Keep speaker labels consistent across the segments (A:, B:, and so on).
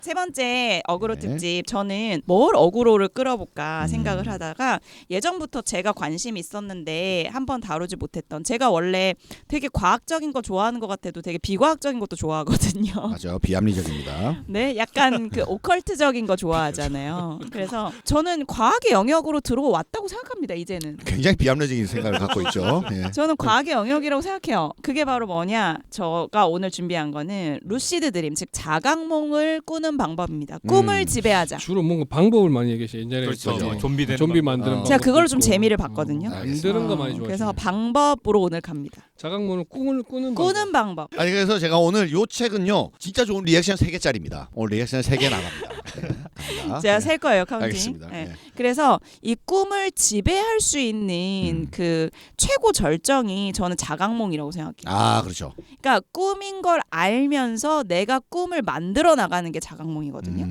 A: 세 번째 어그로
B: 네.
A: 특집. 저는 뭘 어그로를 끌어볼까 생각을 하다가 예전부터 제가 관심이 있었는데 한번 다루지 못했던, 제가 원래 되게 과학적인 거 좋아하는 것 같아도 되게 비과학적인 것도 좋아하거든요.
B: 맞아요. 비합리적입니다.
A: 네, 약간 그 오컬트적인 거 좋아하잖아요. 그래서 저는 과학의 영역으로 들어왔다고 생각합니다. 이제는.
B: 굉장히 비합리적인 생각을 갖고 있죠. 예.
A: 저는 과학의 영역이라고 생각해요. 그게 바로 뭐냐? 제가 오늘 준비한 거는 루시드 드림, 즉 자각몽을 꾸는 방법입니다. 꿈을 지배하자.
C: 주로 뭔가 방법을 많이 얘기하시죠. 옛날에
D: 그렇죠.
B: 그죠.
D: 뭐 좀비 되는
C: 좀비
D: 방법.
C: 만드는
A: 제가
C: 방법도
A: 그걸 좀
C: 있고.
A: 재미를 봤거든요.
C: 만드는 거 많이 좋아하시죠.
A: 그래서 방법으로 오늘 갑니다.
C: 자각몽을 꿈을 꾸는
A: 꾸는 방법.
B: 아니 그래서 제가 오늘 요 책은요 진짜 좋은 리액션 3개짜리입니다. 오늘 리액션 3개 나갑니다. 네, 갑니다.
A: 제가
B: 네.
A: 셀 거예요, 카운팅.
B: 알겠습니다.
A: 네.
B: 네.
A: 그래서 이 꿈을 지배할 수 있는 그 최고 절정이 저는 자각몽이라고 생각해요.
B: 아 그렇죠.
A: 그러니까 꿈인 걸 알면서 내가 꿈을 만들어 나가는 게 자각몽이거든요.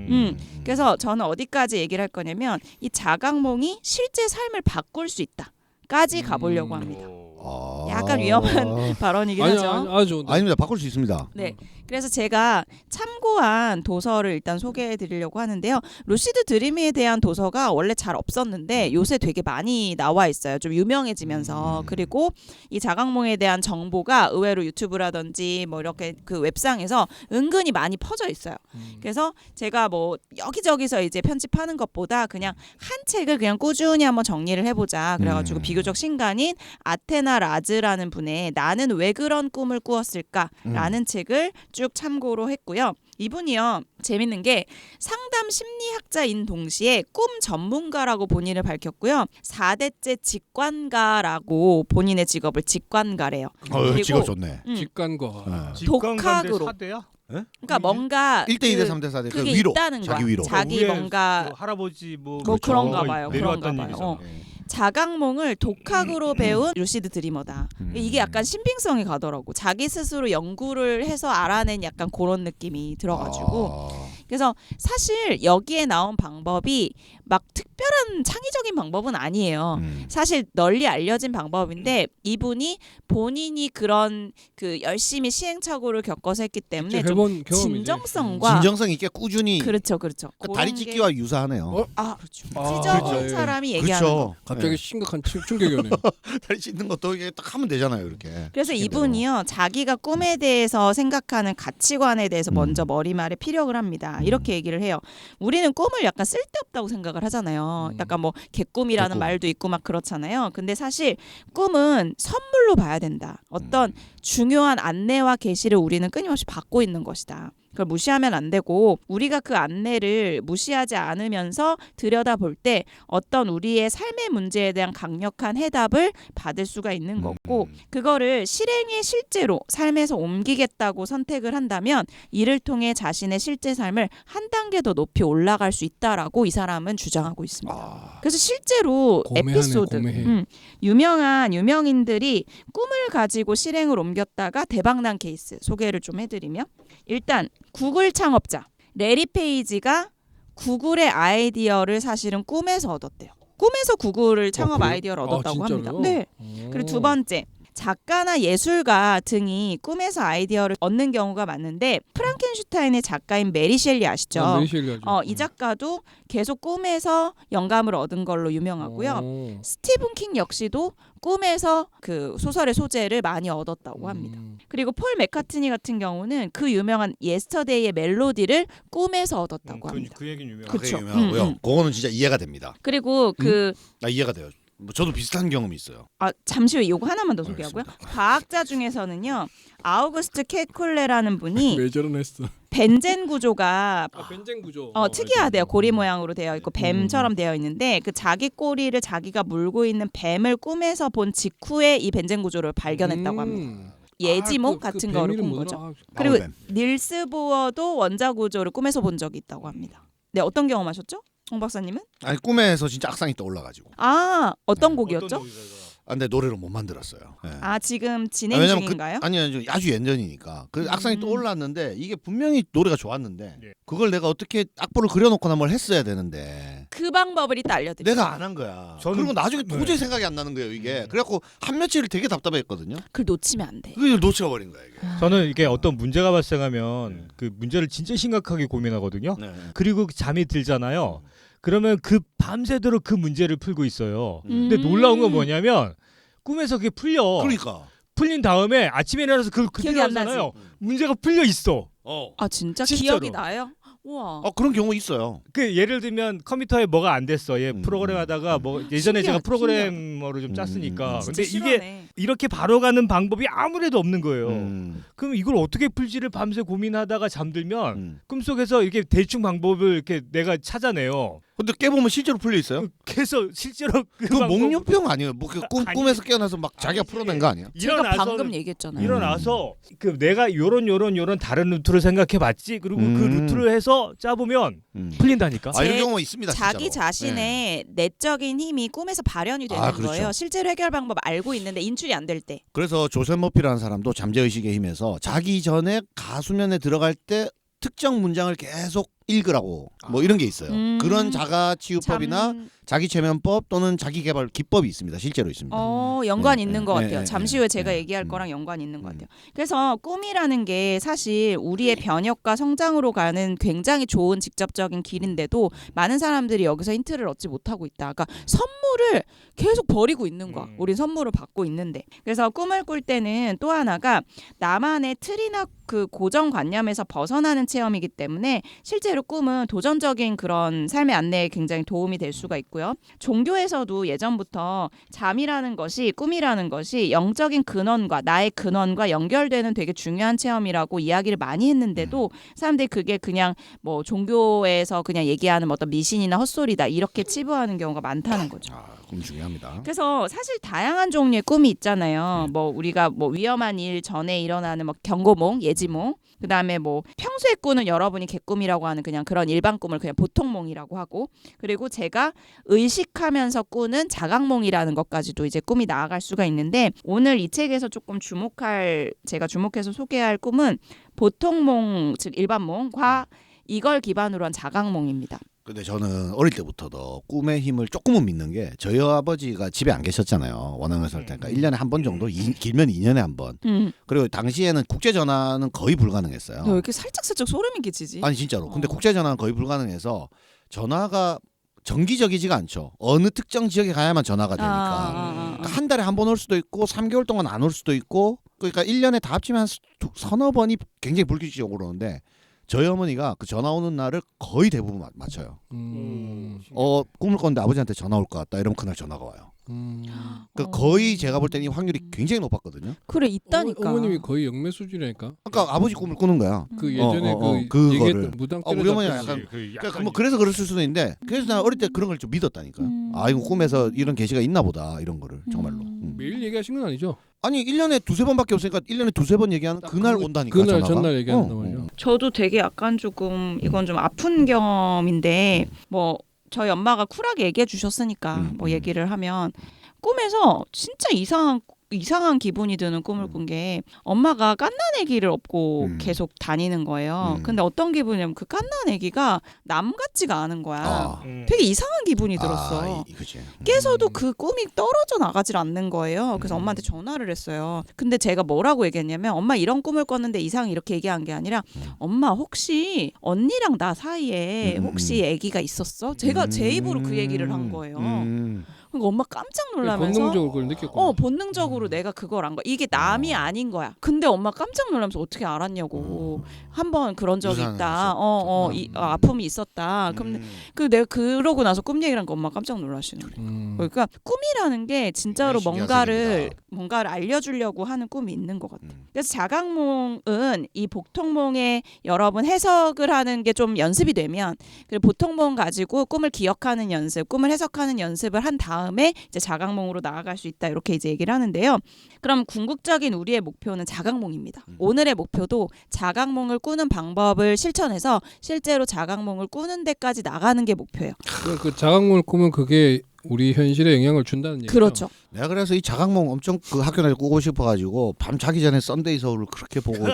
A: 그래서 저는 어디까지 얘기를 할 거냐면 이 자각몽이 실제 삶을 바꿀 수 있다까지 가보려고 합니다. 약간 위험한 발언이긴
C: 아니,
A: 하죠.
C: 아주
B: 아닙니다. 바꿀 수 있습니다.
A: 네. 그래서 제가 참고한 도서를 일단 소개해 드리려고 하는데요. 루시드 드림에 대한 도서가 원래 잘 없었는데 요새 되게 많이 나와 있어요. 좀 유명해지면서. 그리고 이 자각몽에 대한 정보가 의외로 유튜브라든지 뭐 이렇게 그 웹상에서 은근히 많이 퍼져 있어요. 그래서 제가 뭐 여기저기서 이제 편집하는 것보다 그냥 한 책을 그냥 꾸준히 한번 정리를 해보자. 그래가지고 비교적 신간인 아테나 라즈라는 분의 나는 왜 그런 꿈을 꾸었을까라는 책을 쭉 참고로 했고요. 이분이요, 재밌는 게 상담 심리학자인 동시에 꿈 전문가라고 본인을 밝혔고요. 4대째 직관가라고 본인의 직업을 직관가래요. 그리고
B: 직업 좋네.
C: 직관과
A: 독학으로.
D: 사대야?
A: 그러니까 뭔가
B: 1대 2대 3대 4대
A: 그게
B: 위로.
A: 있다는 거야.
B: 자기 위로.
A: 자기 뭔가
D: 할아버지 뭐
A: 그런가 봐요.
D: 내려왔던
A: 그런가 봐요.
D: 일이잖아.
A: 자각몽을 독학으로 배운 루시드 드리머다. 이게 약간 신빙성이 가더라고. 자기 스스로 연구를 해서 알아낸 약간 그런 느낌이 들어가지고. 그래서 사실 여기에 나온 방법이 막 특별한 창의적인 방법은 아니에요. 사실 널리 알려진 방법인데 이분이 본인이 그런 그 열심히 시행착오를 겪어서 했기 때문에 좀
C: 해본 경험이지.
A: 진정성과
B: 진정성 있게 꾸준히.
A: 그렇죠.
B: 그러니까
A: 그런
B: 다리
A: 게-
B: 찢기와 유사하네요.
A: 그렇죠.
C: 아,
A: 찢어본
C: 그렇죠.
A: 사람이 얘기하는 거.
B: 그렇죠.
C: 갑자기
B: 네.
C: 심각한 충격이 오네요.
B: 다리 찢는 것도 이게 딱 하면 되잖아요, 이렇게.
A: 그래서
B: 시키는
A: 이분이요, 자기가 꿈에 대해서 생각하는 가치관에 대해서 먼저 머리말에 피력을 합니다. 이렇게 얘기를 해요. 우리는 꿈을 약간 쓸데없다고 생각을 하잖아요. 약간 뭐 개꿈이라는
B: 개꿈.
A: 말도 있고 막 그렇잖아요. 근데 사실 꿈은 선물로 봐야 된다. 어떤 중요한 안내와 계시를 우리는 끊임없이 받고 있는 것이다. 그걸 무시하면 안 되고, 우리가 그 안내를 무시하지 않으면서 들여다볼 때 어떤 우리의 삶의 문제에 대한 강력한 해답을 받을 수가 있는 거고, 그거를 실행에 실제로 삶에서 옮기겠다고 선택을 한다면 이를 통해 자신의 실제 삶을 한 단계 더 높이 올라갈 수 있다라고 이 사람은 주장하고 있습니다. 그래서 실제로
C: 고매하네,
A: 에피소드,
C: 고매해.
A: 유명한 유명인들이 꿈을 가지고 실행을 옮겼다가 대박난 케이스 소개를 좀 해드리면, 일단 구글 창업자 레리 페이지가 구글의 아이디어를 사실은 꿈에서 얻었대요. 꿈에서 구글을 창업
C: 그래요?
A: 아이디어를 얻었다고 합니다.
C: 진짜로요?
A: 네. 그리고 두 번째, 작가나 예술가 등이 꿈에서 아이디어를 얻는 경우가 많은데, 프랑켄슈타인의 작가인 메리 셸리 아시죠?
C: 메리 셸리 아죠.
A: 이 작가도 계속 꿈에서 영감을 얻은 걸로 유명하고요. 스티븐 킹 역시도 꿈에서 그 소설의 소재를 많이 얻었다고 합니다. 그리고 폴 맥카트니 같은 경우는 그 유명한 예스터데이의 멜로디를 꿈에서 얻었다고 합니다.
D: 그 얘기는 유명해.
A: 그쵸.
B: 그게 유명하고요. 그거는 진짜 이해가 됩니다.
A: 그리고
B: 이해가 돼요. 뭐 저도 비슷한 경험이 있어요.
A: 잠시 후에 이거 하나만 더 소개하고요. 과학자 중에서는요, 아우구스트 케콜레라는 분이
C: 왜 저러냈어?
A: 벤젠 구조가
C: 벤젠 구조.
A: 특이하대요. 고리 모양으로 되어 있고 뱀처럼 되어 있는데, 그 자기 꼬리를 자기가 물고 있는 뱀을 꿈에서 본 직후에 이 벤젠 구조를 발견했다고 합니다. 예지몽 같은 거를 꾼 거죠. 그리고
B: 나무뱀.
A: 닐스 보어도 원자 구조를 꿈에서 본 적이 있다고 합니다. 네, 어떤 경험하셨죠? 홍 박사님은?
B: 아니 꿈에서 진짜 악상이 떠올라가지고.
A: 어떤 곡이었죠?
D: 어떤 곡이더라?
B: 근데 노래를 못 만들었어요. 예.
A: 아 지금 진행
B: 왜냐면
A: 중인가요?
B: 아니요 아주 예전이니까 그 악상이 떠올랐는데 이게 분명히 노래가 좋았는데
C: 예.
B: 그걸 내가 어떻게 악보를 그려놓거나 뭘 했어야 되는데
A: 그 방법을 이따 알려드릴게요.
B: 내가 안 한 거야.
D: 저는-
B: 그리고 나중에
D: 네.
B: 도저히 생각이 안 나는 거예요 이게. 그래갖고 한 며칠을 되게 답답했거든요.
A: 그걸 놓치면 안 돼.
B: 그걸 놓쳐버린 거야 이게.
D: 저는 이게 어떤 문제가 발생하면 그 문제를 진짜 심각하게 고민하거든요.
B: 네.
D: 그리고 잠이 들잖아요. 그러면 그 밤새도록 그 문제를 풀고 있어요. 근데
A: 음.
D: 놀라운 건 뭐냐면 꿈에서 그게 풀려.
B: 그러니까.
D: 풀린 다음에 아침에 일어나서 그걸
A: 기억이
D: 그대로
A: 안 나지?
D: 하잖아요. 문제가 풀려 있어.
A: 아 진짜
D: 진짜로.
A: 기억이 나요? 우와.
B: 그런 경우 있어요.
D: 그 예를 들면 컴퓨터에 뭐가 안 됐어. 얘
B: 음.
D: 프로그램 하다가 뭐 예전에 제가
A: 신기하다,
D: 프로그래머를 좀 짰으니까.
A: 진짜
D: 근데 이게
A: 실화네.
D: 이렇게 바로 가는 방법이 아무래도 없는 거예요.
B: 음.
D: 그럼 이걸 어떻게 풀지를 밤새 고민하다가 잠들면
B: 음.
D: 꿈속에서 이렇게 대충 방법을 이렇게 내가 찾아내요.
B: 근데 깨보면 실제로 풀려 있어요?
D: 그래서 실제로 그
B: 그
D: 방법-
B: 목련병 아니에요? 뭐그
D: 아니.
B: 꿈에서 깨어나서 막 자기가
D: 아니지.
B: 풀어낸 거 아니에요?
A: 제가
D: 일어나서
A: 방금 얘기했잖아요.
D: 일어나서 그 내가 요런 다른 루트를 생각해봤지. 그리고 그
B: 음.
D: 루트를 해서 짜보면 풀린다니까.
B: 이런
A: 제-
B: 경우가 있습니다.
A: 자기
B: 진짜로.
A: 자신의 내적인 힘이 꿈에서 발현이 되는
B: 그렇죠.
A: 거예요. 실제로 해결 방법 알고 있는데 인출이 안 될 때.
B: 그래서 조셉 머피라는 사람도 잠재의식의 힘에서 자기 전에 가수면에 들어갈 때 특정 문장을 계속 읽으라고 뭐 이런 게 있어요. 그런 자가치유법이나
A: 참,
B: 자기 최면법 또는 자기 개발 기법이 있습니다. 실제로 있습니다.
A: 연관
B: 네,
A: 있는
B: 네,
A: 것
B: 네,
A: 같아요.
B: 네,
A: 잠시
B: 네,
A: 후에 제가
B: 네.
A: 얘기할 거랑 연관 있는 것 같아요. 그래서 꿈이라는 게 사실 우리의 변혁과 성장으로 가는 굉장히 좋은 직접적인 길인데도 많은 사람들이 여기서 힌트를 얻지 못하고 있다. 그러니까 선물을 계속 버리고 있는 거야. 우린 선물을 받고 있는데. 그래서 꿈을 꿀 때는 또 하나가 나만의 틀이나 그 고정관념에서 벗어나는 체험이기 때문에 실제로 꿈은 도전적인 그런 삶의 안내에 굉장히 도움이 될 수가 있고요. 종교에서도 예전부터 잠이라는 것이 꿈이라는 것이 영적인 근원과 나의 근원과 연결되는 되게 중요한 체험이라고 이야기를 많이 했는데도 사람들이 그게 그냥 뭐 종교에서 그냥 얘기하는 어떤 미신이나 헛소리다 이렇게 치부하는 경우가 많다는 거죠.
B: 꿈 중요합니다.
A: 그래서 사실 다양한 종류의 꿈이 있잖아요. 뭐 우리가 뭐 위험한 일 전에 일어나는 뭐 경고몽, 예지몽, 그다음에 뭐 평소에 꾸는 여러분이 개꿈이라고 하는 그냥 그런 일반 꿈을 그냥 보통몽이라고 하고, 그리고 제가 의식하면서 꾸는 자각몽이라는 것까지도 이제 꿈이 나아갈 수가 있는데, 오늘 이 책에서 조금 제가 주목해서 소개할 꿈은 보통몽, 즉 일반몽과 이걸 기반으로 한 자각몽입니다.
B: 근데 저는 어릴 때부터도 꿈의 힘을 조금은 믿는 게, 저희 아버지가 집에 안 계셨잖아요. 원앙에 살 때니까 1년에 한 번 정도, 길면 2년에 한 번. 그리고 당시에는 국제 전화는 거의 불가능했어요.
A: 너 왜 이렇게 살짝살짝 소름이 끼치지?
B: 아니 진짜로. 근데 국제 전화는 거의 불가능해서 전화가 정기적이지가 않죠. 어느 특정 지역에 가야만 전화가 되니까. 그러니까 한 달에 한 번 올 수도 있고 3개월 동안 안 올 수도 있고, 그러니까 1년에 다 합치면 한 서너 번이 굉장히 불규칙적으로 오는데, 저희 어머니가 그 전화 오는 날을 거의 대부분 맞춰요. 꿈을 꿨는데 아버지한테 전화 올 것 같다 이러면 그날 전화가 와요. 그러니까 거의 제가 볼 때는 이 확률이 굉장히 높았거든요.
A: 그래 있다니까.
C: 어머님이 거의 영매 수준이니까.
B: 그러니까 아버지 꿈을 꾸는 거야.
C: 그 예전에 그
B: 그거를.
C: 얘기했던 무당
B: 우리 어머니가
C: 때려잡혔지.
B: 약간 그러니까 뭐 그래서 그랬을 수도 있는데, 그래서 난 어릴 때 그런 걸 좀 믿었다니까. 이거 꿈에서 이런 계시가 있나 보다 이런 거를 정말로.
C: 매일 얘기하신 건 아니죠?
B: 아니 1년에 두세 번밖에 없으니까 1년에 두세 번 얘기하는 그날 온다니까.
C: 그날
B: 전화가.
C: 전날 얘기한단 말이죠.
A: 저도 되게 약간 조금 이건 좀 아픈 경험인데, 뭐 저희 엄마가 쿨하게 얘기해 주셨으니까 뭐 얘기를 하면, 꿈에서 진짜 이상한 기분이 드는 꿈을 꾼 게, 엄마가 깐난애기를 업고 계속 다니는 거예요. 근데 어떤 기분이냐면 그 깐난애기가 남 같지가 않은 거야. 되게 이상한 기분이 들었어.
B: 그치.
A: 깨서도 그 꿈이 떨어져 나가질 않는 거예요. 그래서 엄마한테 전화를 했어요. 근데 제가 뭐라고 얘기했냐면, 엄마 이런 꿈을 꿨는데 이상, 이렇게 얘기한 게 아니라, 엄마 혹시 언니랑 나 사이에 혹시 아기가 있었어? 제가 제 입으로 그 얘기를 한 거예요. 그러니까 엄마 깜짝 놀라면서,
C: 본능적으로 그걸 느꼈구나.
A: 본능적으로 내가 그걸 안 거야. 이게 남이 아닌 거야. 근데 엄마 깜짝 놀라면서 어떻게 알았냐고. 한번 그런 적이
B: 유산을
A: 있다. 아픔이 있었다. 그럼 내가 그러고 나서 꿈 얘기를 하니까 엄마 깜짝 놀라시는 거예요. 그러니까 꿈이라는 게 진짜로 뭔가를 알려주려고 하는 꿈이 있는 것 같아요. 그래서 자각몽은 이 보통몽에 여러분 해석을 하는 게 좀 연습이 되면, 그리고 보통몽 가지고 꿈을 기억하는 연습, 꿈을 해석하는 연습을 한 다음에 이제 자각몽으로 나아갈 수 있다, 이렇게 이제 얘기를 하는데요. 그럼 궁극적인 우리의 목표는 자각몽입니다. 오늘의 목표도 자각몽을 꾸는 방법을 실천해서 실제로 자각몽을 꾸는 데까지 나가는 게 목표예요.
C: 그 자각몽을 꾸면 그게 우리 현실에 영향을 준다는 얘기죠.
A: 그렇죠.
B: 내가 그래서 이 자각몽 엄청 그 학교 다닐 때 꾸고 싶어가지고 밤 자기 전에 썬데이 서울을 그렇게 보고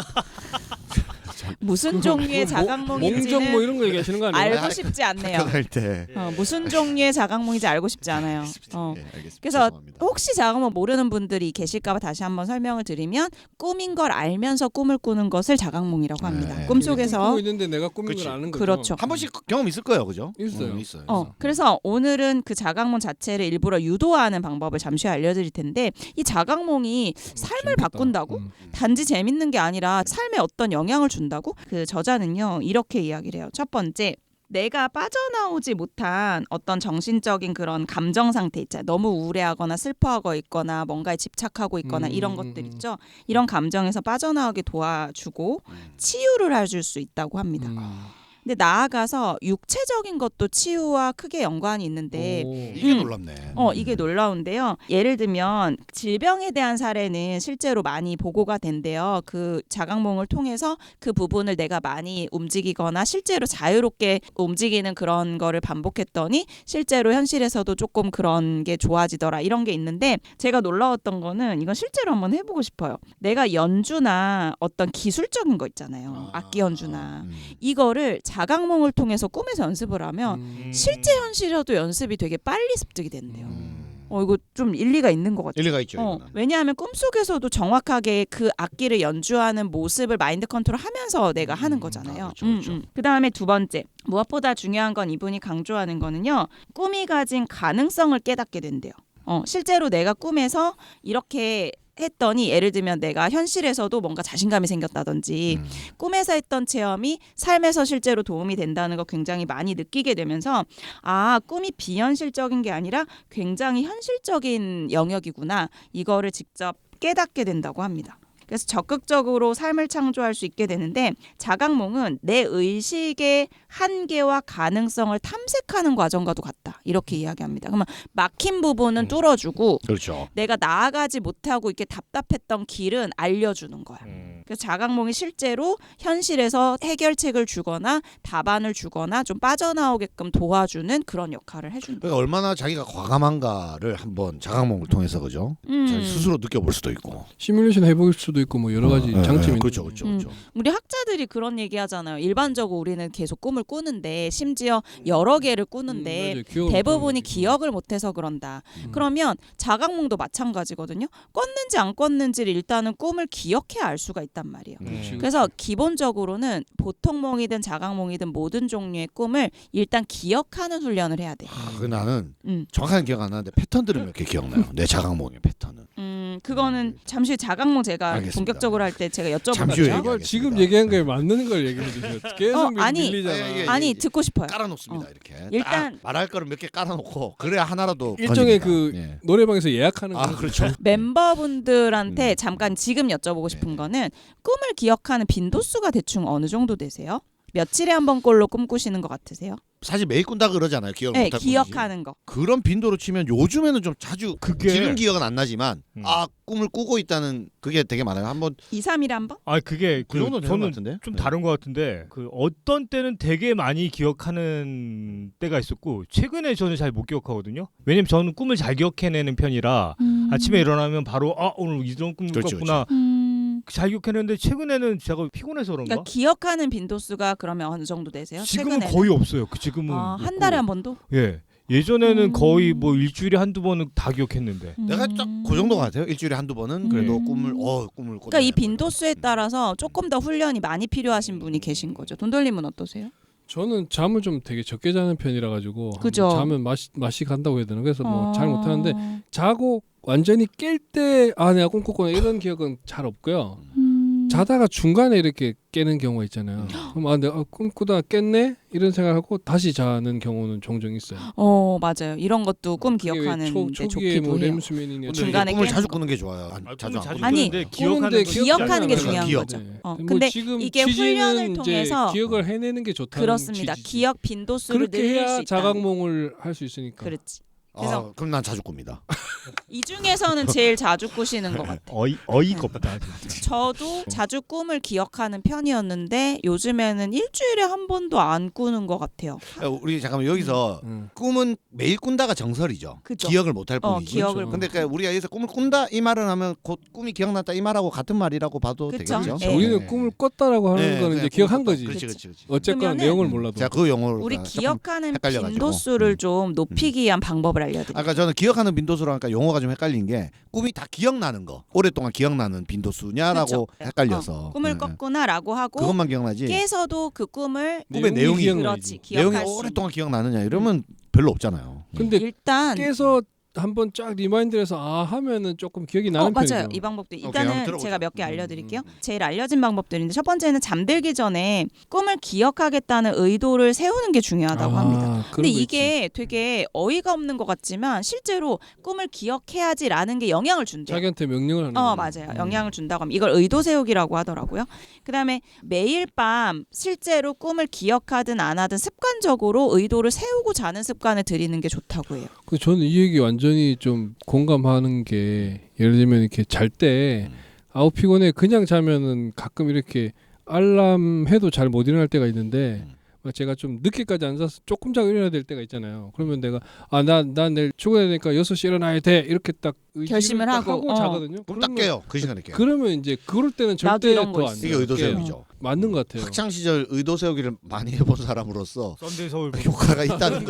A: 무슨 종류의
C: 몽정
A: 자각몽인지는
C: 뭐 이런 거 얘기하시는 거 아니에요?
A: 알고 싶지 않네요.
B: 학교 다닐 때.
A: 무슨 종류의 자각몽인지 알고 싶지 않아요.
B: 네, 알겠습니다.
A: 그래서
B: 죄송합니다.
A: 혹시 자각몽 모르는 분들이 계실까봐 다시 한번 설명을 드리면 꿈인 걸 알면서 꿈을 꾸는 것을 자각몽이라고 합니다.
B: 네.
A: 꿈속에서
C: 꿈꾸고 있는데 내가 꾸민
B: 그치.
C: 걸 아는 거죠.
A: 그렇죠.
B: 한 번씩 경험 있을 거예요, 그죠?
C: 있어요.
B: 있어요.
A: 그래서 오늘은 그 자각몽 자체를 일부러 유도하는 방법을 잠시 후에 알려드릴 텐데 이 자각몽이 삶을
C: 재밌겠다.
A: 바꾼다고? 단지 재밌는 게 아니라 삶에 어떤 영향을 준다고? 그 저자는요 이렇게 이야기를 해요. 첫 번째, 내가 빠져나오지 못한 어떤 정신적인 그런 감정 상태 있잖아요. 너무 우울해하거나 슬퍼하고 있거나 뭔가에 집착하고 있거나 이런 것들 있죠. 이런 감정에서 빠져나오게 도와주고 치유를 해줄 수 있다고 합니다. 근데 나아가서 육체적인 것도 치유와 크게 연관이 있는데
B: 이게 놀랍네.
A: 이게 놀라운데요. 예를 들면 질병에 대한 사례는 실제로 많이 보고가 된대요. 그 자각몽을 통해서 그 부분을 내가 많이 움직이거나 실제로 자유롭게 움직이는 그런 거를 반복했더니 실제로 현실에서도 조금 그런 게 좋아지더라 이런 게 있는데 제가 놀라웠던 거는 이건 실제로 한번 해보고 싶어요. 내가 연주나 어떤 기술적인 거 있잖아요. 악기 연주나 이거를 자각몽을 통해서 꿈에서 연습을 하면 실제 현실에도 연습이 되게 빨리 습득이 된대요. 이거 좀 일리가 있는 것 같아요.
B: 일리가 있죠. 이거는.
A: 왜냐하면 꿈속에서도 정확하게 그 악기를 연주하는 모습을 마인드 컨트롤하면서 내가 하는 거잖아요.
B: 그렇죠.
A: 그다음에 두 번째, 무엇보다 중요한 건 이분이 강조하는 거는요. 꿈이 가진 가능성을 깨닫게 된대요. 실제로 내가 꿈에서 이렇게 했더니 예를 들면 내가 현실에서도 뭔가 자신감이 생겼다든지 꿈에서 했던 체험이 삶에서 실제로 도움이 된다는 거 굉장히 많이 느끼게 되면서 꿈이 비현실적인 게 아니라 굉장히 현실적인 영역이구나 이거를 직접 깨닫게 된다고 합니다. 그래서 적극적으로 삶을 창조할 수 있게 되는데 자각몽은 내 의식의 한계와 가능성을 탐색하는 과정과도 같다. 이렇게 이야기합니다. 그러면 막힌 부분은 뚫어주고
B: 그렇죠.
A: 내가 나아가지 못하고 이렇게 답답했던 길은 알려주는 거야. 그래서 자각몽이 실제로 현실에서 해결책을 주거나 답안을 주거나 좀 빠져나오게끔 도와주는 그런 역할을 해준다.
B: 그러니까 얼마나 자기가 과감한가를 한번 자각몽을 통해서 그죠? 자기 스스로 느껴볼 수도 있고.
C: 시뮬레이션 해볼 수도 있고 뭐 여러 가지 장점이
B: 그렇죠,
C: 있는
B: 그렇죠, 그렇죠.
A: 우리 학자들이 그런 얘기 하잖아요. 일반적으로 우리는 계속 꿈을 꾸는데 심지어 여러 개를 꾸는데
C: 맞아요. 기억을
A: 대부분이
C: 못하는
A: 기억을 못해서 그런다. 그러면 자각몽도 마찬가지거든요. 꿨는지 안 꿨는지를 일단은 꿈을 기억해야 알 수가 있단 말이에요.
C: 그렇지.
A: 그래서 기본적으로는 보통 몽이든 자각몽이든 모든 종류의 꿈을 일단 기억하는 훈련을 해야 돼.
B: 그 나는
A: 음.
B: 정확하게 기억 안 나는데 패턴들은 몇 개 기억나요. 내 자각몽의 패턴은.
A: 그거는 잠시 후에 자각몽 제가
B: 알겠습니다.
A: 본격적으로 할 때 제가
B: 잠시 후에
A: 여쭤보겠죠.
C: 이걸
B: 알겠습니다.
C: 지금 얘기한 거에 맞는 걸 얘기해 주세요. 계속
A: 아니,
C: 밀리잖아.
B: 예, 예.
A: 아니 듣고 싶어요.
B: 깔아놓습니다. 이렇게.
A: 일단-
B: 딱 말할 거를 몇 개 깔아놓고 그래야 하나라도
C: 일종의
B: 건집니다.
C: 그
B: 예.
C: 노래방에서 예약하는 거.
B: 그렇죠.
A: 멤버분들한테 잠깐 지금 여쭤보고 싶은 거는 꿈을 기억하는 빈도수가 대충 어느 정도 되세요? 며칠에 한 번꼴로 꿈꾸시는 것 같으세요?
B: 사실 매일 꾼다 그러잖아요. 기억을
A: 네,
B: 못할
A: 기억하는 거.
B: 그런 빈도로 치면 요즘에는 좀 자주
D: 그게-
B: 지금 기억은 안 나지만
D: 음.
B: 꿈을 꾸고 있다는 그게 되게 많아요. 한번
A: 2, 3일에 한 번?
B: 그
D: 그게
B: 정도 되는 것
D: 저는
B: 같은데.
D: 좀
B: 네.
D: 다른 것 같은데 그 어떤 때는 되게 많이 기억하는 때가 있었고 최근에 저는 잘 못 기억하거든요. 왜냐면 저는 꿈을 잘 기억해내는 편이라 아침에 일어나면 바로 오늘 이런 꿈
B: 그렇죠,
D: 꿨구나 잘 기억해내는데 최근에는 제가 피곤해서 그런가?
A: 그러니까 기억하는 빈도수가 그러면 어느 정도 되세요?
D: 지금은
A: 최근에는?
D: 거의 없어요. 지금은
A: 한
D: 없고.
A: 달에 한 번도?
D: 예. 예전에는 거의 뭐 일주일에 한두 번은 다 기억했는데.
B: 내가 딱 그 정도 같아요. 일주일에 한두 번은 그래도 꿈을 꿈을 꿔.
A: 그러니까 이 빈도수에 따라서 조금 더 훈련이 많이 필요하신 분이 계신 거죠. 돈돌림은 어떠세요?
C: 저는 잠을 좀 되게 적게 자는 편이라 가지고
A: 그죠.
C: 자면 맛이 간다고 해야 되나 그래서 뭐 잘 못하는데
A: 어.
C: 자고 완전히 깰 때 내가 꿈꿨구나 이런 기억은 잘 없고요. 자다가 중간에 이렇게 깨는 경우가 있잖아요. 그럼 내가 꿈꾸다 깼네 이런 생각하고 다시 자는 경우는 종종 있어요.
A: 맞아요. 이런 것도 꿈
C: 그게 왜
A: 기억하는 데
C: 초기에
A: 좋기도
C: 뭐
A: 해요.
C: 렘수면이냐
B: 근데
A: 중간에
B: 꿈을
A: 깨는
B: 자주
A: 거.
B: 꾸는 게 좋아요. 자주 안 꾸는
A: 아니,
D: 꾸는데
C: 꾸는데
A: 기억하는 게
B: 거죠.
A: 중요한
B: 기억.
A: 거죠.
C: 네.
A: 근데
C: 지금
A: 이게
C: 취지는
A: 훈련을
C: 이제
A: 통해서
C: 기억을 해내는 게 좋다는
A: 그렇습니다.
C: 취지지.
A: 기억 빈도수를
C: 그렇게
A: 늘릴 수
C: 해야
A: 있다.
C: 자각몽을 할 수 있으니까.
A: 그렇지. 그래서
B: 그럼 난 자주 꿉니다.
A: 이 중에서는 제일 자주 꾸시는 것 같아요.
D: 어이가 없다. 진짜.
A: 저도 자주 꿈을 기억하는 편이었는데 요즘에는 일주일에 한 번도 안 꾸는 것 같아요.
B: 우리 잠깐만 여기서 꿈은 매일 꾼다가 정설이죠.
A: 그죠.
B: 기억을 못할 뿐이지.
A: 기억을
B: 근데 그러니까 우리가 여기서 꿈을 꾼다 이 말은 하면 곧 꿈이 기억났다 이 말하고 같은 말이라고 봐도
A: 그쵸.
B: 되겠죠.
A: 네.
C: 우리는 꿈을 꿨다라고 하는 거는 이제 기억한 거지.
B: 그렇지.
C: 어쨌거나
A: 그러면은
C: 내용을 몰라도.
B: 제가 그 용어로
A: 우리 기억하는
B: 헷갈려가지고.
A: 빈도수를 좀 높이기 위한 방법을 알려드릴게요.
B: 아까 저는 기억하는 빈도수로 하니까 용어가 좀 헷갈린 게 꿈이 다 기억나는 거 오랫동안 기억나는 빈도수냐라고
A: 그쵸.
B: 헷갈려서
A: 꿈을 꿨구나라고 하고
B: 그것만 기억나지
A: 깨서도 그 꿈을
B: 꿈의 내용이
A: 그렇지
B: 내용이
A: 기억할 수
B: 오랫동안 기억나느냐 이러면 별로 없잖아요.
C: 근데
A: 일단
C: 깨서 한번 쫙 리마인드해서 하면은 조금 기억이 나는
A: 맞아요.
C: 편이죠.
A: 이 방법도
B: 오케이,
A: 일단은
B: 한번 들어보죠.
A: 제가 몇 개 알려드릴게요. 제일 알려진 방법들인데 첫 번째는 잠들기 전에 꿈을 기억하겠다는 의도를 세우는 게 중요하다고 합니다.
C: 그런
A: 근데
C: 거
A: 이게 되게 어이가 없는 것 같지만 실제로 꿈을 기억해야지라는 게 영향을
C: 있지.
A: 준대요.
C: 자기한테 명령을 하는 거죠.
A: 맞아요. 영향을 준다고 합니다. 이걸 의도 세우기라고 하더라고요. 그다음에 매일 밤 실제로 꿈을 기억하든 안 하든 습관적으로 의도를 세우고 자는 습관을 들이는 게 좋다고 해요.
C: 저는 이 얘기 완전히 좀 공감하는 게 예를 들면 이렇게 잘 때 아우 피곤해 그냥 자면은 가끔 이렇게 알람 해도 잘 못 일어날 때가 있는데 제가 좀 늦게까지 앉아서 조금 자고 일어나야 될 때가 있잖아요. 그러면 내가 난 내일 출근해야 되니까 6시 일어나야 돼 이렇게 딱
A: 결심을
C: 딱
A: 하고,
C: 자거든요.
B: 그럼 딱 깨요. 그 시간에 깨요.
C: 그러면 이제 그럴 때는
A: 나도
C: 절대
A: 이런 거
C: 더안
A: 있어.
B: 이게 의도 세우기죠.
C: 맞는 것 같아요.
B: 학창 시절 의도 세우기를 많이 해본 사람으로서
D: 썬데이 서울
B: 효과가 있다는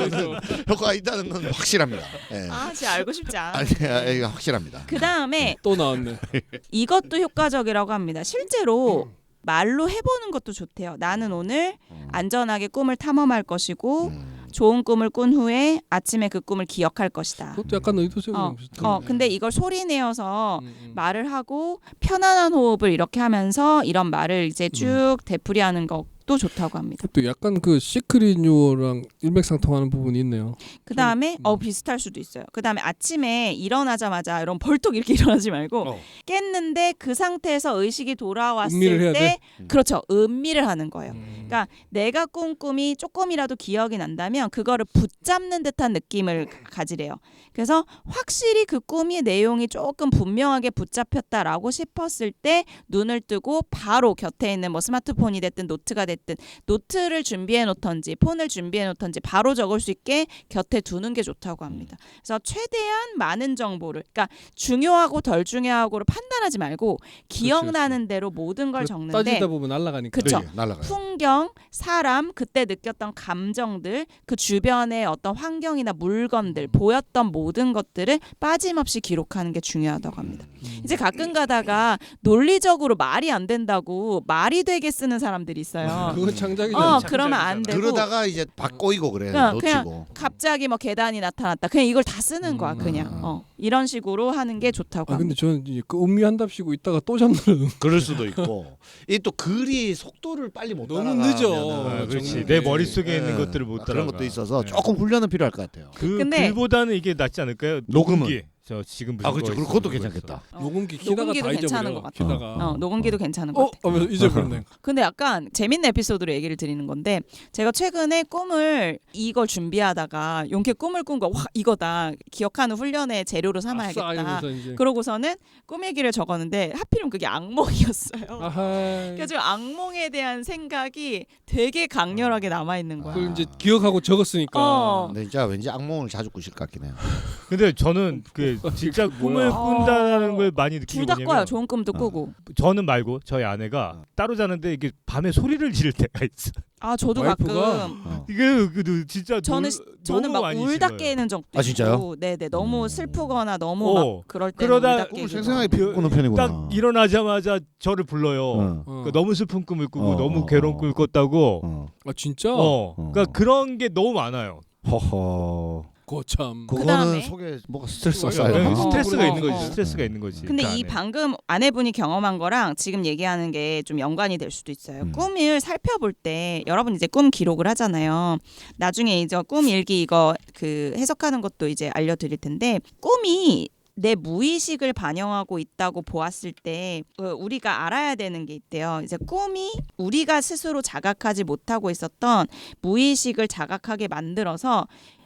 B: 건 확실합니다. 예.
A: 진짜 알고 싶지 않아.
B: 아니, 이거 확실합니다.
A: 그 다음에
C: 또 나왔네.
A: 이것도 효과적이라고 합니다. 실제로 말로 해보는 것도 좋대요. 나는 오늘 안전하게 꿈을 탐험할 것이고 좋은 꿈을 꾼 후에 아침에 그 꿈을 기억할 것이다.
C: 그것도 약간 의도 세우는 비슷한.
A: 근데 이걸 소리 내어서 말을 하고 편안한 호흡을 이렇게 하면서 이런 말을 이제 쭉 되풀이하는 것도 좋다고 합니다.
C: 그것도 약간 그 시크릿 뉴어랑 일맥상통하는 부분이 있네요.
A: 그 다음에 비슷할 수도 있어요. 그 다음에 아침에 일어나자마자 이런 벌떡 이렇게 일어나지 말고 깼는데 그 상태에서 의식이 돌아왔을
C: 음미를 해야
A: 때
C: 돼?
A: 그렇죠. 음미를 하는 거예요. 그러니까 내가 꾼 꿈이 조금이라도 기억이 난다면 그거를 붙잡는 듯한 느낌을 가지래요. 그래서 확실히 그 꿈의 내용이 조금 분명하게 붙잡혔다라고 싶었을 때 눈을 뜨고 바로 곁에 있는 뭐 스마트폰이 됐든 노트가 됐든 노트를 준비해 놓던지 폰을 준비해 놓던지 바로 적을 수 있게 곁에 두는 게 좋다고 합니다. 그래서 최대한 많은 정보를 그러니까 중요하고 덜 중요하고를 판단하지 말고 기억나는 대로 모든 걸 적는데
C: 따지다 보면 날아가니까.
A: 그쵸.
B: 네, 날아가요.
A: 풍경, 사람, 그때 느꼈던 감정들, 그 주변의 어떤 환경이나 물건들, 보였던 모든 것들을 빠짐없이 기록하는 게 중요하다고 합니다. 이제 가끔 가다가 논리적으로 말이 안 된다고 말이 되게 쓰는 사람들이 있어요.
C: 그건 창작이잖아.
A: 그러면 안 되고
B: 그러다가 이제 바꼬이고 그래.
A: 그냥
B: 놓치고.
A: 갑자기 뭐 계단이 나타났다. 그냥 이걸 다 쓰는 거야. 그냥 이런 식으로 하는 게 좋다고
C: 근데
A: 합니다.
C: 저는 이제 그 음미한답시고 있다가 또 잠드는.
B: 그럴 수도 있고. 이 또 글이 속도를 빨리 못
C: 너무
B: 따라가면은
C: 늦어.
D: 그렇지.
C: 정말.
D: 내 머릿속에
B: 예.
D: 있는 것들을 못 따라가.
B: 그런 것도 있어서 조금 훈련은 필요할 것 같아요.
D: 그
A: 근데-
D: 글보다는 이게 낫지 않을까요?
B: 녹음은?
D: 녹음기. 저 지금 무슨
B: 그렇죠.
D: 거
B: 그것도
D: 있어,
B: 괜찮겠다.
C: 녹음기 키다가
A: 녹음기도
C: 다
A: 괜찮은
C: 잊어버려.
A: 것 같아요.
C: 키다가.
A: 녹음기도 괜찮은 것 같아요.
C: 하면서 잊어버렸네.
A: 근데 약간 재밌는 에피소드로 얘기를 드리는 건데 제가 최근에 꿈을 이걸 준비하다가 용케 꿈을 꾼 거 와 이거다 기억하는 훈련의 재료로
C: 아싸
A: 삼아야겠다.
C: 이러면서 이제.
A: 그러고서는 꿈 얘기를 적었는데 하필이면 그게 악몽이었어요.
C: 아하.
A: 그래서 악몽에 대한 생각이 되게 강렬하게 남아 있는 거야.
C: 그걸 이제 기억하고 적었으니까.
B: 근데 진짜 왠지 악몽을 자주 꾸실 것 같긴 해요.
D: 근데 저는 그 진짜 꿈을
C: 뭐야.
D: 꾼다는 걸 많이 느끼는
A: 둘 다
D: 거냐면
A: 꿔요. 좋은 꿈도 꾸고.
D: 저는 말고 저희 아내가 따로 자는데 이게 밤에 소리를 지를 때가 있어.
A: 저도
C: 와이프가?
A: 가끔
D: 이게 진짜
A: 저는
D: 너무
A: 막
D: 많이
A: 울다
D: 질러요.
A: 깨는 적도
B: 아, 진짜요?
A: 있고, 네네 너무 슬프거나 너무 막 그럴 때는
D: 그러다
A: 울다
B: 꿈을
A: 깨고.
B: 생생하게 꾸는 편이구나.
D: 딱 일어나자마자 저를 불러요.
B: 어.
D: 그러니까 너무 슬픈 꿈을 꾸고
B: 어,
D: 너무
B: 어,
D: 괴로운
B: 어.
D: 꿈을 꿨다고.
B: 어.
C: 아 진짜?
D: 그러니까 그런 게 너무 많아요.
B: 허허.
C: 거참.
B: 그거는
A: 그다음에?
B: 속에 뭐가 스트레스가
C: 어,
B: 쌓여요.
D: 스트레스가 있는 거지.
A: 어.
D: 스트레스가 있는 거지.
A: 근데
D: 그
A: 이
D: 안에.
A: 방금 아내분이 경험한 거랑 지금 얘기하는 게 좀 연관이 될 수도 있어요. 꿈을 살펴볼 때 여러분 이제 꿈 기록을 하잖아요. 나중에 이제 꿈 일기 이거 그 해석하는 것도 이제 알려드릴 텐데 꿈이 내 무의식을 반영하고 있다고 보았을 때 우리가 알아야 되는 게 있대요. 이제 꿈이 우리가 스스로 자각하지 못하고 있었던 무의식을 자각하게 만들어서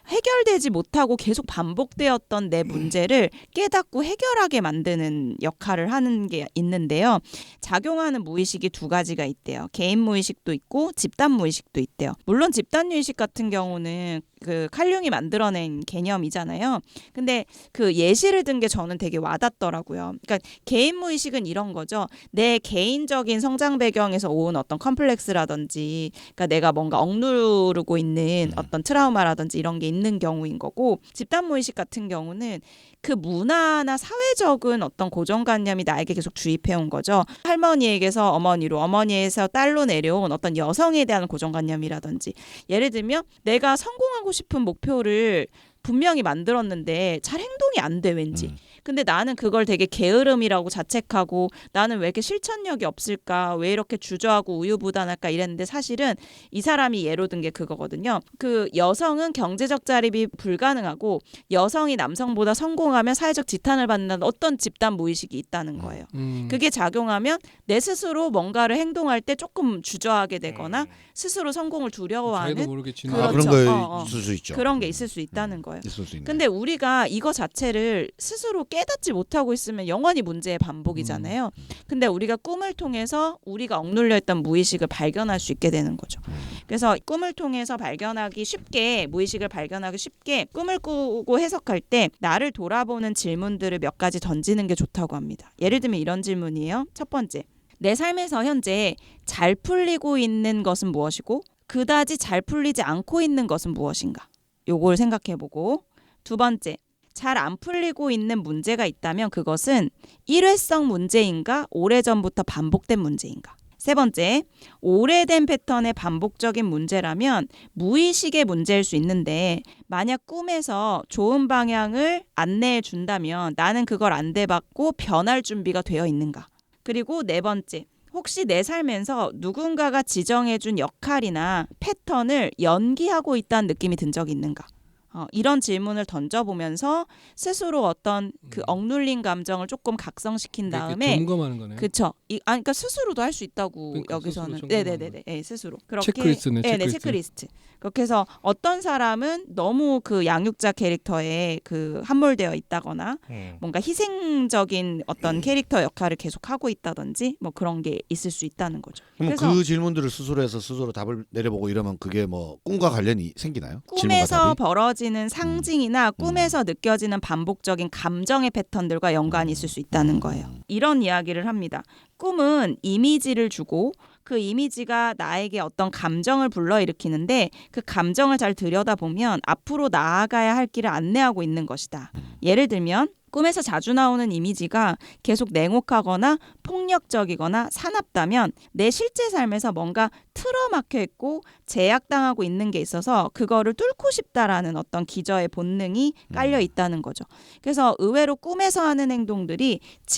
A: 해결되지 못하고 계속 반복되었던 내 문제를 깨닫고 해결하게 만드는 역할을 하는 게 있는데요. 작용하는 무의식이 두 가지가 있대요. 개인 무의식도 있고 집단 무의식도 있대요. 물론 집단 무의식 같은 경우는 그 칼융이 만들어낸 개념이잖아요. 근데 그 예시를 든 게 저는 되게 와닿더라고요. 그러니까 개인 무의식은 이런 거죠. 내 개인적인 성장 배경에서 온 어떤 컴플렉스라든지, 그러니까 내가 뭔가 억누르고 있는 어떤 트라우마라든지 이런 게 있는 경우인 거고, 집단 무의식 같은 경우는 그 문화나 사회적인 어떤 고정관념이 나에게 계속 주입해온 거죠. 할머니에게서 어머니로, 어머니에서 딸로 내려온 어떤 여성에 대한 고정관념이라든지, 예를 들면 내가 성공하고 싶은 목표를 분명히 만들었는데 잘 행동이 안 돼 왠지. 근데 나는 그걸 되게 게으름이라고 자책하고 나는 왜 이렇게 실천력이 없을까, 왜 이렇게 주저하고 우유부단할까 이랬는데, 사실은 이 사람이 예로 든 게 그거거든요. 그 여성은 경제적 자립이 불가능하고 여성이 남성보다 성공하면 사회적 지탄을 받는다는 어떤 집단 무의식이 있다는 거예요. 그게 작용하면 내 스스로 뭔가를 행동할 때 조금 주저하게 되거나 스스로 성공을 두려워하는
C: 자기도 모르게 지는
A: 그렇죠.
B: 그런 거
A: 어.
B: 있을 수 있죠.
A: 그런 게 있을 수 있다는 거예요.
B: 있을 수 있네.
A: 근데 우리가 이거 자체를 스스로 깨닫지 못하고 있으면 영원히 문제의 반복이잖아요. 근데 우리가 꿈을 통해서 우리가 억눌려 있던 무의식을 발견할 수 있게 되는 거죠. 그래서 꿈을 통해서 발견하기 쉽게, 무의식을 발견하기 쉽게 꿈을 꾸고 해석할 때 나를 돌아보는 질문들을 몇 가지 던지는 게 좋다고 합니다. 예를 들면 이런 질문이에요. 첫 번째, 내 삶에서 현재 잘 풀리고 있는 것은 무엇이고 그다지 잘 풀리지 않고 있는 것은 무엇인가? 요걸 생각해보고, 두 번째, 잘 안 풀리고 있는 문제가 있다면 그것은 일회성 문제인가 오래전부터 반복된 문제인가? 세 번째, 오래된 패턴의 반복적인 문제라면 무의식의 문제일 수 있는데 만약 꿈에서 좋은 방향을 안내해 준다면 나는 그걸 안내받고 변할 준비가 되어 있는가? 그리고 네 번째, 혹시 내 삶에서 누군가가 지정해준 역할이나 패턴을 연기하고 있다는 느낌이 든 적이 있는가? 이런 질문을 던져보면서 스스로 어떤 그 억눌린 감정을 조금 각성시킨 다음에,
C: 점검하는 거네요.
A: 그렇죠. 그러니까 스스로도 할 수 있다고
C: 그러니까
A: 여기서는.
C: 스스로
A: 네네네. 네, 스스로. 그렇게
C: 체크리스트네.
A: 네, 체크리스트. 그렇게 해서 어떤 사람은 너무 그 양육자 캐릭터에 그 함몰되어 있다거나 뭔가 희생적인 어떤 캐릭터 역할을 계속 하고 있다든지 뭐 그런 게 있을 수 있다는 거죠.
B: 그럼
A: 그래서
B: 그 질문들을 스스로 해서 스스로 답을 내려보고 이러면 그게 뭐 꿈과 관련이 생기나요? 질문과
A: 꿈에서
B: 답이?
A: 벌어지는 상징이나 꿈에서 느껴지는 반복적인 감정의 패턴들과 연관이 있을 수 있다는 거예요. 이런 이야기를 합니다. 꿈은 이미지를 주고 그 이미지가 나에게 어떤 감정을 불러일으키는데 그 감정을 잘 들여다보면 앞으로 나아가야 할 길을 안내하고 있는 것이다. 예를 들면 꿈에서 자주 나오는 이미지가 계속 냉혹하거나 폭력적이거나 사납다면 내 실제 삶에서 뭔가 틀어막혀 있고 제약당하고 있는 게 있어서 그거를 뚫고 싶다라는 어떤 기저의 본능이 깔려 있다는 거죠. 그래서 의외로 꿈에서 하는 행동들이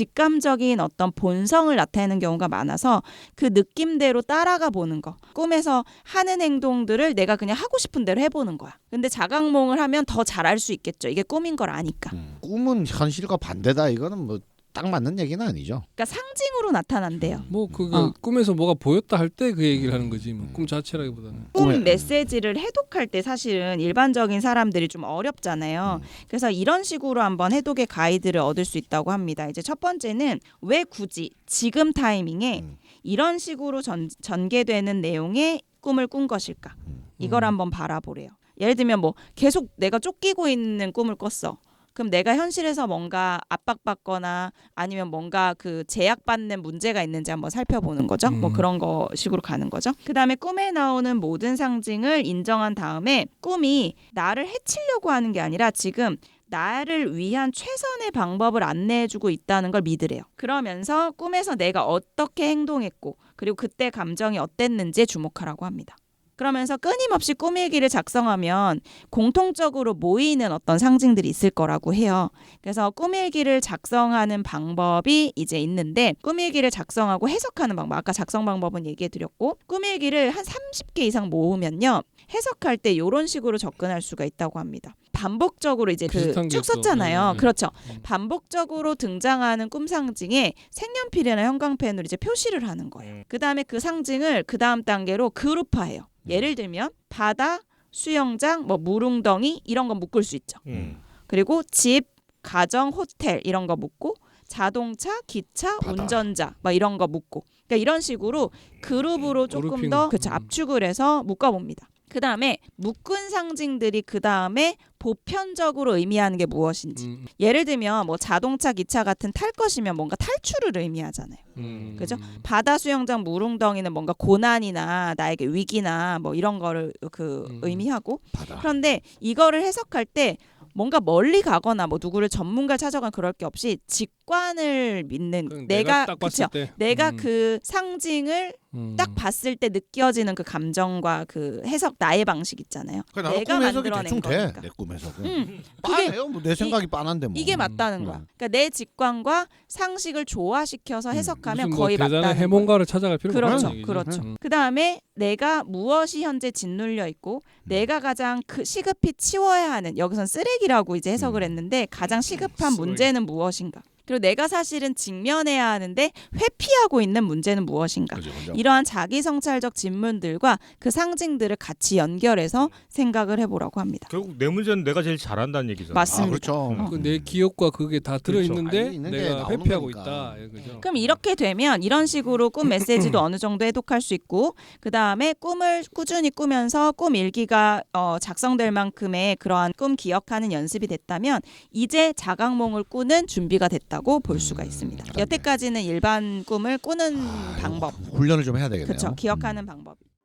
A: 직감적인 어떤 본성을 나타내는 경우가 많아서 그 느낌대로 따라가 보는 거. 꿈에서 하는 행동들을 내가 그냥 하고 싶은 대로 해보는 거야. 근데 자각몽을 하면 더 잘할 수 있겠죠. 이게 꿈인 걸 아니까.
B: 꿈은 현실과 반대다. 이거는 뭐 딱 맞는 얘기는 아니죠.
A: 그러니까 상징으로 나타난대요.
C: 뭐 그게 꿈에서 뭐가 보였다 할 때 그 얘기를 하는 거지. 뭐 꿈 자체라기보다는.
A: 꿈 메시지를 해독할 때 사실은 일반적인 사람들이 좀 어렵잖아요. 그래서 이런 식으로 한번 해독의 가이드를 얻을 수 있다고 합니다. 이제 첫 번째는 왜 굳이 지금 타이밍에 이런 식으로 전개되는 내용의 꿈을 꾼 것일까? 이걸 한번 바라보래요. 예를 들면 뭐 계속 내가 쫓기고 있는 꿈을 꿨어. 그럼 내가 현실에서 뭔가 압박받거나 아니면 뭔가 그 제약받는 문제가 있는지 한번 살펴보는 거죠. 뭐 그런 거 식으로 가는 거죠. 그다음에 꿈에 나오는 모든 상징을 인정한 다음에 꿈이 나를 해치려고 하는 게 아니라 지금 나를 위한 최선의 방법을 안내해주고 있다는 걸 믿으래요. 그러면서 꿈에서 내가 어떻게 행동했고 그리고 그때 감정이 어땠는지에 주목하라고 합니다. 그러면서 끊임없이 꿈일기를 작성하면 공통적으로 모이는 어떤 상징들이 있을 거라고 해요. 그래서 꿈일기를 작성하는 방법이 이제 있는데 꿈일기를 작성하고 해석하는 방법, 아까 작성 방법은 얘기해드렸고 꿈일기를 한 30개 이상 모으면요. 해석할 때 이런 식으로 접근할 수가 있다고 합니다. 반복적으로 이제 그 쭉 썼잖아요. 그렇죠. 반복적으로 등장하는 꿈 상징에 색연필이나 형광펜으로 이제 표시를 하는 거예요. 그 다음에 그 상징을 그 다음 단계로 그룹화해요. 예를 들면 바다, 수영장, 뭐 물웅덩이 이런 거 묶을 수 있죠. 그리고 집, 가정, 호텔 이런 거 묶고 자동차, 기차,
B: 바다.
A: 운전자 뭐 이런 거 묶고 그러니까 이런 식으로 그룹으로 조금
C: 그룹핑.
A: 더 그쵸, 압축을 해서 묶어봅니다. 그 다음에 묶은 상징들이 그 다음에 보편적으로 의미하는 게 무엇인지 예를 들면 뭐 자동차, 기차 같은 탈 것이면 뭔가 탈출을 의미하잖아요. 그죠? 바다, 수영장, 물웅덩이는 뭔가 고난이나 나에게 위기나 뭐 이런 거를 의미하고
B: 바다.
A: 그런데 이거를 해석할 때 뭔가 멀리 가거나 뭐 누구를 전문가 찾아간 그럴 게 없이 직관을 믿는 내가
C: 딱 봤을
A: 그쵸?
C: 때
A: 내가 그 상징을 딱 봤을 때 느껴지는 그 감정과 그 해석 나의 방식 있잖아요.
B: 그러니까
A: 내가
B: 꿈 해석이
A: 만들어낸
B: 대충
A: 거니까.
B: 돼. 내 꿈 해석은.
A: 그게
B: 뻔해요. 뭐 내 생각이 뻔한데 뭐.
A: 이게 맞다는 거야. 그러니까 내 직관과 상식을 조화시켜서 해석하면
C: 무슨 뭐
A: 거의
C: 대단한
A: 맞다는 거야.
C: 해몽가를 찾아갈 필요가
A: 그렇죠,
C: 없는 얘기죠.
A: 그렇죠. 그 다음에 내가 무엇이 현재 짓눌려 있고 내가 가장 시급히 치워야 하는 여기선 쓰레기라고 이제 해석을 했는데 가장 시급한
C: 쓰레기.
A: 문제는 무엇인가? 그리고 내가 사실은 직면해야 하는데 회피하고 있는 문제는 무엇인가?
B: 그죠, 그죠.
A: 이러한 자기 성찰적 질문들과 그 상징들을 같이 연결해서 생각을 해보라고 합니다.
D: 결국 내 문제는 내가 제일 잘한다는 얘기잖아.
A: 맞습니다.
B: 아, 그렇죠.
C: 그 내 기억과 그게 다 들어
D: 그렇죠.
C: 있는데
B: 아니, 있는데
C: 내가
B: 나오는
C: 회피하고
B: 거니까.
C: 있다. 그죠?
A: 그럼 이렇게 되면 이런 식으로 꿈 메시지도 어느 정도 해독할 수 있고 그 다음에 꿈을 꾸준히 꾸면서 꿈 일기가 작성될 만큼의 그러한 꿈 기억하는 연습이 됐다면 이제 자각몽을 꾸는 준비가 됐다고 볼 수가 있습니다. 여태까지는 일반 꿈을 꾸는 방법,
B: 훈련을 좀 해야 되겠네요.
A: 그렇죠. 기억하는 방법.